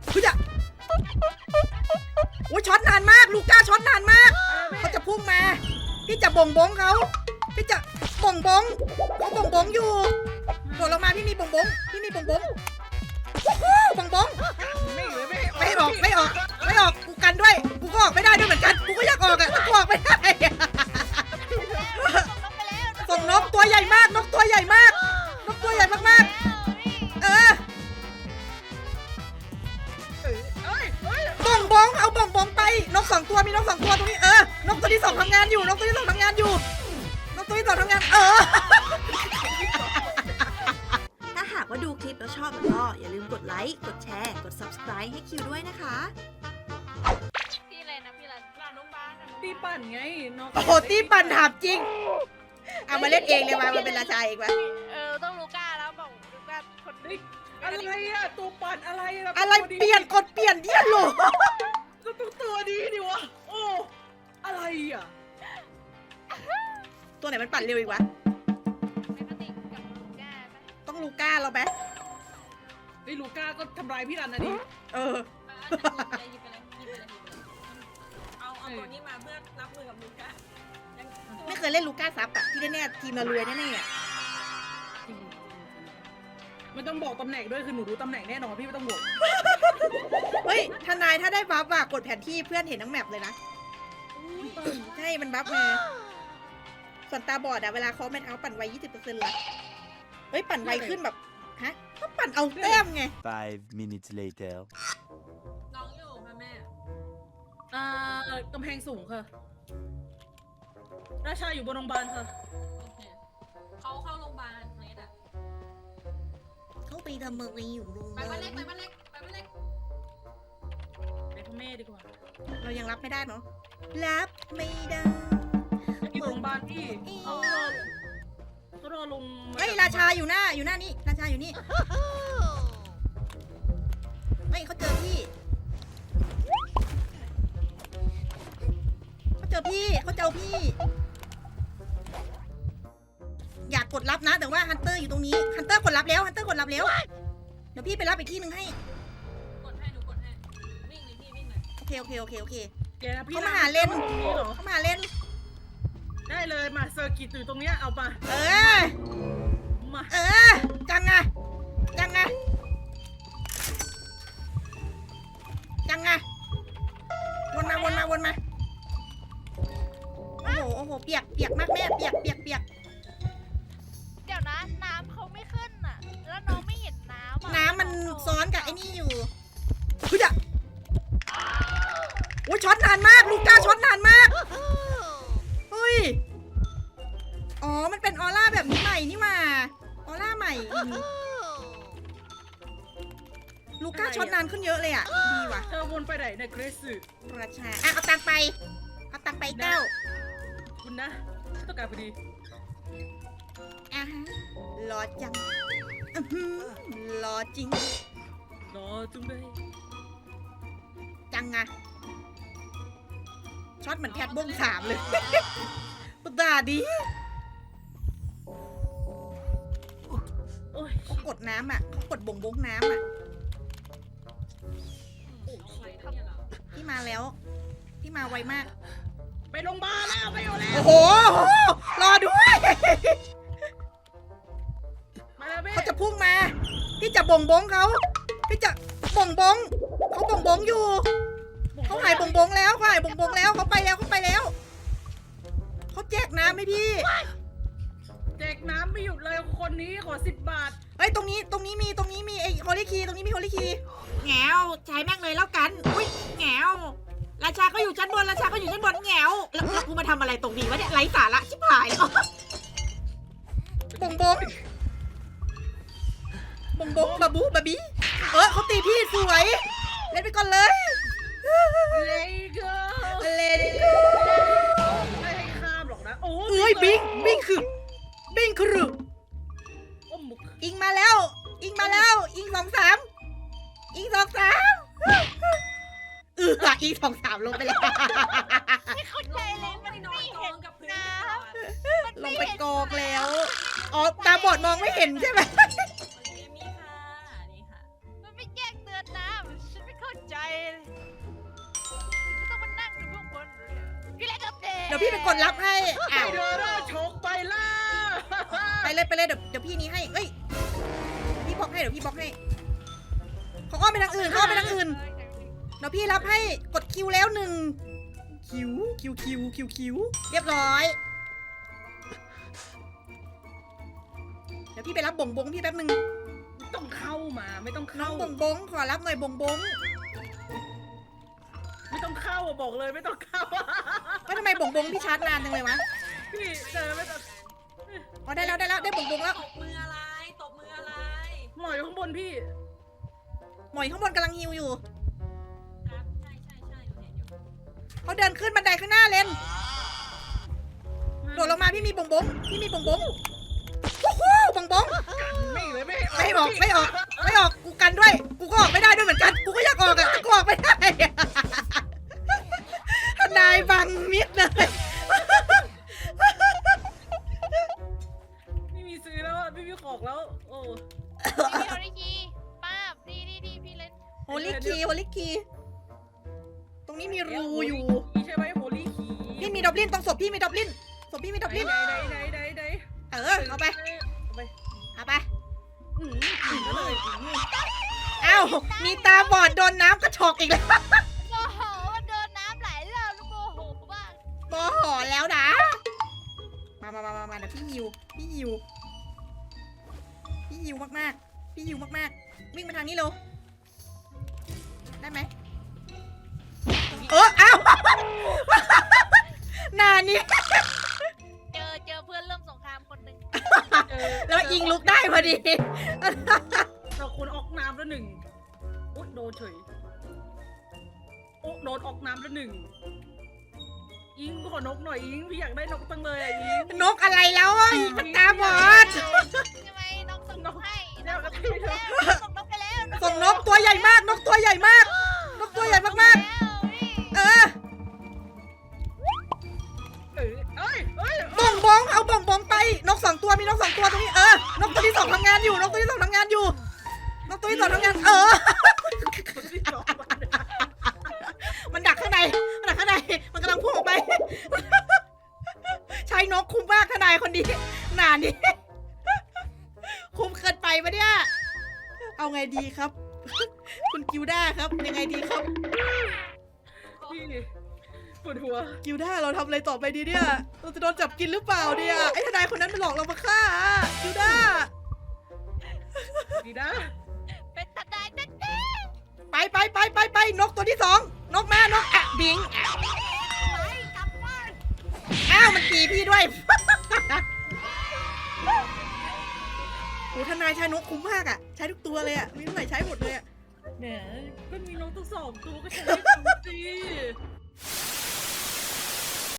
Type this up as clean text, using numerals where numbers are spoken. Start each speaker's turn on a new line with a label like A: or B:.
A: พี่จะโอ้ยช็อตนานมากลูก้าช็อตนานมากเขาจะพุ่งมาพี่จะบ่งบงเขาพี่จะบ่งบงเขาบ่งบงอยู่โดดลงมาพี่มีบ่งบงพี่มีบ่งบงบ่งบงไม่ออกกูกันด้วยกูก็ออกไม่ได้ด้วยเหมือนกันกูก็อยากออกอะแต่กูออกไม่ได้ส่งนกตัวใหญ่มากนกตัวใหญ่มากนกตัวใหญ่มากๆบ่งบงเอาบ่งบงไปนก2ตัวมีนก2ตัวตรงนี้นกตัวที่2ทำงานอยู่นกตัวที่2ทำงานอยู่นกตัวที่2ทำงานถ้าหากว่าดูคลิปแล้วชอบก็อย่าลืมกดไลค์กดแชร์กด Subscribe ให้คิวด้วยนะคะ
B: พี่อะไรนะพี่อะไรหลานโรงพยาบาล
C: ตีปั่นไงน้อง
A: โอ้โหตีปั่นถามจริงเอามาเล่นเองเลยมาเป็นราชาเองวะ
B: ต้องลูก้าแล้วบอกลูก้าคนนึง
C: อะไรอะตัวปั่นอะไร
A: อะไรเปลี่ยนกดเปลี่ยนเนี่ยหรอ
C: ก็ต้องตัวดีดิวะโอ้อะไรอะ
A: ตัวไหนมันปั่นเร็วอีกวะ
B: ไม่ปฏิกับลูก้าปะ
A: ต้องลูก้าเราไหม
C: ไอ้ลูก้าก็ทำร้ายพี่รันนะดิ
B: หยิบไปเลยเอาตัวนี้มาเพื่อรับมือกับลูก้า
A: ไม่เคยเล่นลูก้าซับอะที่แน่ๆทีมเรารวยแน่ๆอะ
C: ไม่ต้องบอกตำแหน่งด้วยคือหนูรู้ตำแหน่งแน่นอนพี่ไม่ต้องบอก
A: เฮ้ยทนายถ้าได้บัฟอะกดแผนที่เพื่อนเห็นทั้งแมปเลยนะใช่มันบัฟมาส่วนตาบอดอะเวลาเขาไม่เท้าปั่นไว 20% ละเฮ้ยปั่นไวขึ้นแบบฮะก็ปั่นเอาแต้มไง
D: 5 minutes later
B: น้องอยู่ค่ะแม่
C: กำแพงสูงค่ะราชาอยู่บนโรงพยาบาลค่ะ
B: โอเคเขาเข้าโรงพยาบาลเนสอะ
A: เขาไปทำเมืองนี้อยู่โรงพยา
B: ไป
A: บา
B: บ้าน
A: ล
B: เล็กไปบ้านเล็กไปบ้านเล็ก
C: ไปพ่อแม่ดีกว่า
A: เรายังรับไม่ได้เนาะรับไม่ได้
C: อยู่โรงพยาบาลพี่เขารอลง
A: เฮ้ยราชาอยู่หน้านี่ราชาอยู่นี่เฮ้ยเขาเจอพี่เขาเจอพี่อยากกดรับนะแต่ว่าฮันเตอร์อยู่ตรงนี้ฮันเตอร์กดรับแล้วเดี๋ยวพี่ไปรับอีกที่หนึ่งให้
B: กดให้หนูกดให้วิ่งเลยพี่วิ่งเลย
A: โอเค
C: แกพี่
A: เขามาหาเล่น
C: ตรงนี้เหรอ
A: เข้ามาเล่น
C: ได้เลยมาเซอร์กิตอยู่ตรงเนี้ยเอามา
A: มา
C: มา
A: จังไงวนมาโอ้โหเปียกมากแม่เปียก
B: เดี๋ยวนะน้ำเขาไม่ขึ้นอ่ะแล้วน้องไม่เห็นน้ำ
A: น้ำมันซ้อนกับไอ้นี่อยู่เฮ้ยโอ้ยช็อตนานมากลูก้าช็อตนานมากเฮ้ยอ๋อมันเป็นออร่าแบบนี้ใหม่นี่มาออร่าใหม่ลูก้าช็อตนานขึ้นเยอะเลยอ่ะดีว่ะ
C: เธอวนไปไหนเนี่ยเกรซ
A: ราชาเอาตังไปเก้า
C: คุณนะฉันต้องการพอดี
A: อ่ะฮะรอจังรอจริง
C: รอจุงเลย
A: จังอะช็อตเหมือนแพทบ้งสามเลยปุตตาดี
C: โอ้ย
A: เขากดน้ำอ่ะเขากดบ่งบงน้ำอ่ะพี่มาแล้วพี่มาไวมาก
C: ไปโรงพยาบาลแล้วไปอยู่แล้ว
A: โอ้โหรอด้วย
C: มาแล้วพี่
A: เขาจะพุ่งมาพี่จะบ่งบงเขาพี่จะบ่งบงเขาบ่งบงอยู่เขาหายบ่งบงแล้วเขาไปแล้วเขาแจกน้ำให้พี่
C: แจกน้ำไม่หยุดเลยคนนี้ขอ10 บาท
A: เฮ้ยตรงนี้มีไอ้ฮอลลี่คีตรงนี้มีฮอลลี่คีแงวใช้แม่งเลยแล้วกันอุ้ยแงวราชาก็อยู่ชั้นบนแงวแล้วกูมาทำอะไรตรงนี้วะเนี่ยไร้สาระชิบหายบงบาบูบาบีเขาตีพี่สวยเล่นไปก่อนเลย
C: เลยก็
A: เล่น
C: ไม่ให้ข้ามหรอกนะโอ้
A: เอ้ยบิงคือ
C: โอ้หมุก
A: อิงมาแล้วอิง2-3อิง 2-3อิง 2-3ลงไปแล้ว
B: ไม่เข้าใจเลยมันไม่เห็นกับน้ำ
A: ลงไปกองแล้วอ๋อตาบอดมองไม่เห็นใช่ไหม
B: นี่ค่ะนี่ค่ะมันไม่แจ้งเตือนน้ำฉันไม่เข้า
A: เดี๋ยวพี่ไปกดรับให้
C: ไอ
A: อ้าว
C: เดอร์ชกไปล่ะ
A: ไปเลยเดี๋ยวพี่นี้ให้เอ้ยพี่บล็อกให้เดี๋ยวพี่บล็อกให้เขาอ้อมไปทางอื่นเขาอ้อมไปทางอื่นเดี๋ยวพี่รับให้กดคิวแล้ว1คิวเรียบร้อยเดี๋ยวพี่ไปรับบ่งบงพี่แป๊บนึง
C: ไม่ต้องเข้ามาไม่ต้อง
A: น้อ
C: เข้าง
A: บ่งบงขอรับหน่อยบ่งบง
C: ไม่ต้องเข้าอะบอกเลยไม่ต้องเข้า
A: ว่าทำไมบ่งบงพี่ชาร์จนานจังเลยวะ
C: พี่เจอไม่ต้อง
A: อ๋อได้แล้วได้บ่งบงแล้ว
B: ตบมืออะไรตบมืออะไร
C: หมอยอยู่ข้างบนพี่
A: หมอยข้างบนกำลังฮิวอยู่
B: ครับใช่หนูเห็นอยู่
A: เขาเดินขึ้นบันไดข้างหน้าเลนโดดลงมาพี่มีบ่งบงวู้ฮู้บ่งบง
C: ไม่เลยไม่
A: ไม่ออกกูกันด้วยกูก็ออกไม่ได้ด้วยเหมือนกันกูก็อยากออกอะแต่กูออกไม่ได้ทนายบังมิดเลย
C: ไม่มีซื้อแล้วอะไม่มีของแล้วโอ้
D: พี่โอริคีป้าบดีพี่เล่น
A: โฮลิคีตรงนี้มีรูอยู่
C: ใช่ไหมโฮลี่คี
A: พี่มีดอบลินตรงศพพี่มีดอบลินศพพี่มีดอบลิน
C: ไหน
A: เอาไป
C: เอาไป
A: อืม
C: เลย
A: เอ้ามีตาบอดโดนน้ำกระชอกอีกแล้ว
D: โมโหมันโดนน้ำไหลเราแล้วโมโหมาก
A: โมโหแล้วนะมาเดี๋ยวพี่หิวมากวิ่งมาทางนี้เร็วได้ไหมเอ้าหนานี่
D: เจอเพื่อนเริ่มสงครามคนหนึ่ง
A: แล้วอิงลุกได้พอดี
C: เราควรออกน้ำแล้วหนึ่งอุ๊ยโดนเฉยโอ้โดนออกน้ำแล้วหนึ่งอิงขอนกหน่อยอิงพี่อยากได้นกตั้งเลยอ่ะอิง
A: นกอะไรแล้วอ่ะอิงมันตาบอด
D: ใช่ไหมน้องส่งนกให้
C: แล้ว
D: ส่งนกไปแล้ว
A: ส่งนกตัวใหญ่มากนกตัวใหญ่มากเออ
C: เอ้ย
A: บ่งบงเอาบ่งบงไปนก2 ตัวมีนก2 ตัวตรงนี้นกตัวที่ 2ทำงานอยู่นกตัวที่ 2ทำงานอยู่นกตัวที่ 2ทำงานมันดักข้างในมันกำลังพุ่งออกไป ใช้นกคุ้มมากทนายคนนี้หนานี่ คุ้มเกินไปปะเนี่ยเอาไงดีครับ คุณกิวด้าครับยังไงดีครับ
C: พี่ปวดหัว
A: กิวด้าเราทำอะไรต่อไปดีเนี่ยเราจะโดนจับกินหรือเปล่าเนี่ยไอ้ทนายคนนั้นมันหลอกเรามาฆ่ากิวด้า
C: ดีนะ
D: เป็นตัดได้เต้น
A: ไปนกตัวที่ 2นกมานกบิง
D: ไปกลับบ้าน
A: อ้าวมันตีพี่ด้วย โหทนายใช้นกคุ้มมากอะใช้ทุกตัวเลยอะมีเท่าไหร่ใช้หมดเลยอะ
C: แหมก็มีนกตั้ง2 ตัวก็ใช้ได้ทั้งสิ